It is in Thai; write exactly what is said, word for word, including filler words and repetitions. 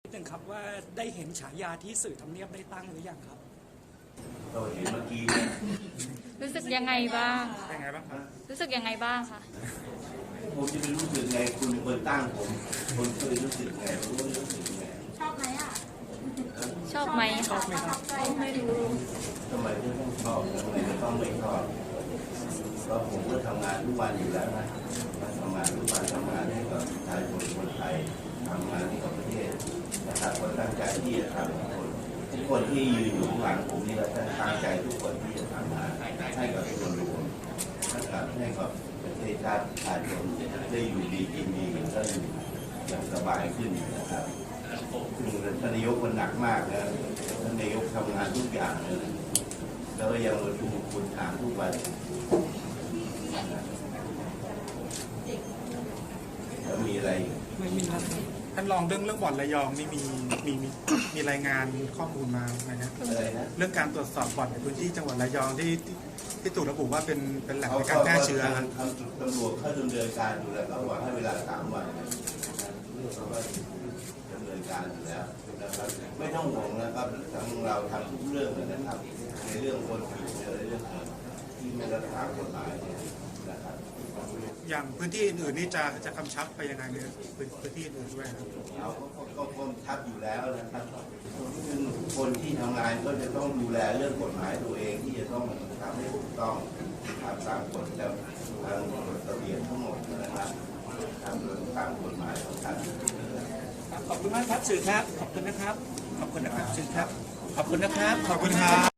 นิดนึงครับว่าได้เห็นฉายาที่สื่อทำเนียบได้ตั้งหรือยังครับเราเห็นเมื่อกี้เนี่ยรู้สึกยังไงบ้างยังไงบ้างครับรู้สึกยังไงบ้างคะผมจะไปรู้สึกไงคุณเป็นคนตั้งผมคนเคยรู้สึกไงรู้รู้สึกไงชอบไหมอ่ะชอบไหมชอบไหมครับไม่รู้ทำไมถึงต้องชอบทำไมต้องไม่ชอบเพราะผมก็ทำงานทุกวันอยู่แล้วนะทำงานทุกวันทำงานให้กับประชาชนคนไทยทำงานให้กับประเทศนะครับก็ตั้งใจที่จะทำทุกคนทุกคนที่ยืนอยู่ข้างหลังผมนี่เราตั้งใจทุกคนที่จะทำงานให้กับส่วนรวมนะครับให้กับประเทศชาติประชาชนได้อยู่ดีกินดีกันก็อยู่อย่างสบายขึ้นนะครับซึ่งท่านนายกมันหนักมากนะท่านนายกทำงานทุกอย่างเลยแล้วก็ยังมาดูคุณถามทุกวันแล้วมีอะไรไม่มีครับท่านรองเรื่องเรื่องบ่อนระยองนี่มีมีมีมีรายงานข้อมูลมาไหมครับเรื่องการตรวจสอบบ่อนในพื้นที่จังหวัดระยองที่ที่ถูกระบุว่าเป็นเป็นแหล่งในการแพร่เชื้อตำรวจเขาดำเนินการอยู่แล้วเขาบอกให้เวลาสามวันเขาก็ดำเนินการอยู่แล้วนะครับไม่ต้องห่วงนะครับทั้งเราทำทุกเรื่องเลยนะครับในเรื่องคนผิดในเรื่องที่ไม่รักษากฎหมายเนี่ยนะครับอย่างพื้นที่อื่นๆนี่จะจะกำชับไปยังไงเนี่ยพื้นที่อื่นด้วยครับเราก็กำชับอยู่แล้วนะครับซึ่งคนที่ทำงานก็จะต้องดูแลเรื่องกฎหมายตัวเองที่จะต้องทำให้ถูกต้องทำตามกฎและทางกฎระเบียบทั้งหมดนะครับทำตามกฎหมายของท่านขอบคุณมากครับสื่อครับขอบคุณนะครับขอบคุณนะครับสื่อครับขอบคุณนะครับขอบคุณครับ